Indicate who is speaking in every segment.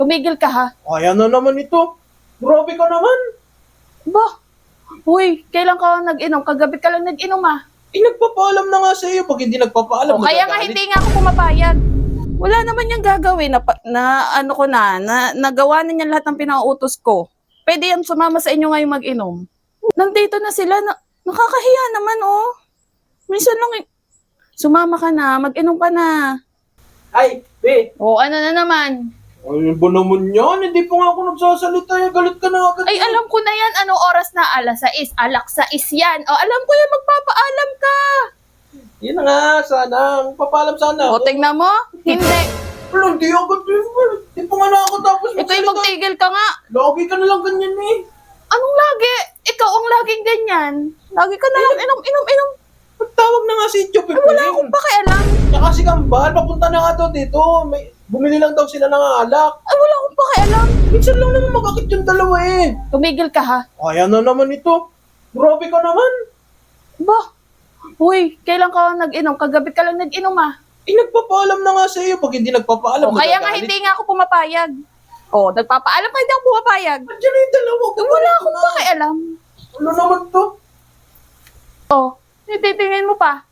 Speaker 1: Tumigil ka ha.
Speaker 2: Kaya na naman ito. Grabe ka naman.
Speaker 1: Ba? Uy, kailan ka nag-inom? Kagabi ka lang nag-inom ah.
Speaker 2: Nagpapaalam na nga sa iyo. Pag hindi nagpapaalam,
Speaker 1: O, kaya nga
Speaker 2: nagagalit.
Speaker 1: hindi nga ako pumapayag. Wala naman niyang gagawin na nagawa na niya lahat ng pinauutos ko. Pwede yan sumama sa inyo ngayong mag-inom. Nandito na sila, nakakahiya naman oh. Minsan lang sumama ka na, mag-inom ka na.
Speaker 2: Ay, be.
Speaker 1: O, ano na naman?
Speaker 2: Ano ba naman yan? Hindi pa nga ako nagsasalita. Galit ka na agad.
Speaker 1: Ay, alam ko na yan. Anong oras na? 6:00. 6:00 yan. O, alam ko yan. Magpapaalam ka.
Speaker 2: Yan na nga, sana. Magpapaalam sana.
Speaker 1: O, tingnan mo. Hindi.
Speaker 2: Wala, hindi agad. Hindi pa nga nakakatapos.
Speaker 1: Ikaw yung magtigil ka nga.
Speaker 2: Lagi ka na lang ganyan eh.
Speaker 1: Anong lagi? Ikaw ang laging ganyan. Lagi ka na lang inom.
Speaker 2: Magtawag na nga si Jope.
Speaker 1: Ay, wala akong pakialam.
Speaker 2: Tsaka si Kambal, papunta na nga to dito. Bumili lang daw sila ng alak.
Speaker 1: Ay, wala akong pakialam.
Speaker 2: Minsan lang naman magkakit yung dalawa eh.
Speaker 1: Tumigil ka ha.
Speaker 2: Kaya na naman ito. Grabe ka naman.
Speaker 1: Ba? Uy, kailan ka nag-inom? Kagabi ka lang nag-inom ah.
Speaker 2: Nagpapaalam na nga sa iyo. Pag hindi nagpapaalam,
Speaker 1: O, kaya nga
Speaker 2: nagagalit.
Speaker 1: hindi nga ako pumapayag. O, nagpapaalam ka, hindi ako pumapayag.
Speaker 2: Andiyan na yung dalawa.
Speaker 1: Wala akong pakialam.
Speaker 2: Ano naman to?
Speaker 1: O, nititingin mo pa.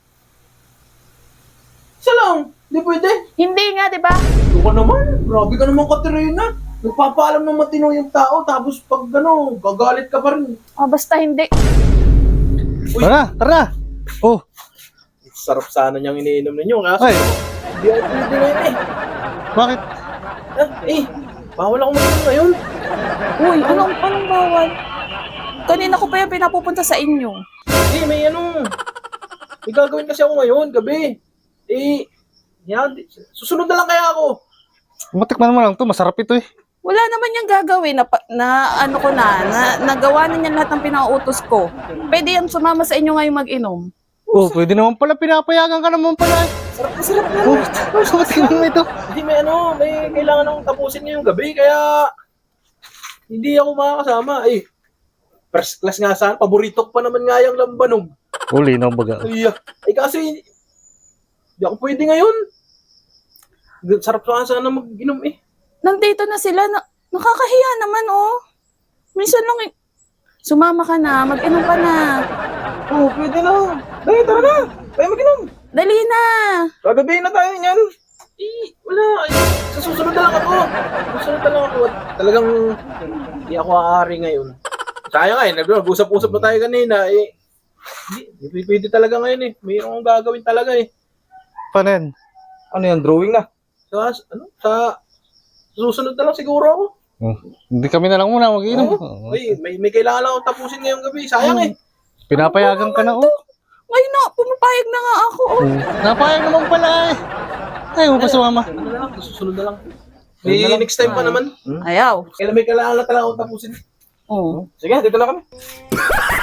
Speaker 2: Isa lang. Hindi pwede.
Speaker 1: Hindi nga, di ba?
Speaker 2: Ito ka naman. Grabe ka naman, Katerina. Nagpapaalam ng matino yung tao. Tapos pag gagalit ka pa rin.
Speaker 1: O, basta hindi.
Speaker 2: Uy.
Speaker 3: Tara! Oh,
Speaker 2: Sarap sana niyang iniinom ninyo. Kaso,
Speaker 3: ay,
Speaker 2: hindi ako pwede ngayon eh.
Speaker 3: bakit?
Speaker 2: Bawal ako mag-inom ngayon.
Speaker 1: Uy, anong bawal? Kanina ko pa yan pinapupunta sa inyo.
Speaker 2: May gagawin kasi ako ngayon, gabi. Yan, susunod na lang kaya ako.
Speaker 3: Matikman mo lang to, masarap ito eh.
Speaker 1: Wala naman niyang gagawin na nagawa na niya lahat ng pinauutos ko. Pwede yan sumama sa inyo ngayong mag-inom.
Speaker 3: Oh, pwede naman pala, pinapayagan ka naman pala eh.
Speaker 2: Sarap na.
Speaker 3: Oh, matikman mo ito.
Speaker 2: Hindi, may kailangan akong tapusin ngayong gabi, kaya hindi ako makakasama. First class nga saan, paborito ko pa naman nga yung lambanog.
Speaker 3: Uli na baga.
Speaker 2: Kasi hindi ako pwede ngayon. Sarap sana mag-inom eh.
Speaker 1: Nandito na sila, nakakahiya naman oh. Minsan lang sumama ka na, mag-inom ka na.
Speaker 2: Oo, pwede na. Dahil, tara na. Tayo mag-inom.
Speaker 1: Dali na.
Speaker 2: Gagabihin na tayo niyan. Wala. Sa susunod na lang ako. At talagang hindi ako aari ngayon. Sayang nag-usap-usap na tayo kanina Hindi pwede talaga ngayon eh. Mayroon akong gagawin talaga eh.
Speaker 3: Paano yan?
Speaker 2: Ano yan, drawing na? Sa susunod na lang siguro ako.
Speaker 3: Oh, hindi kami na lang muna mag-inom.
Speaker 2: Oo. May kailangan lang akong tapusin ngayong gabi. Sayang eh.
Speaker 3: Pinapayagan ka na oh.
Speaker 1: Ngayon na, pumapayag na nga ako oh.
Speaker 3: Napayag naman pala eh. Ayaw mo pa sumama.
Speaker 2: Ano na lang, susunod na lang. May next time pa naman.
Speaker 1: Ayaw.
Speaker 2: Kailan may kailangan na talaga akong tapusin.
Speaker 1: Oo.
Speaker 2: Sige, dito na kami.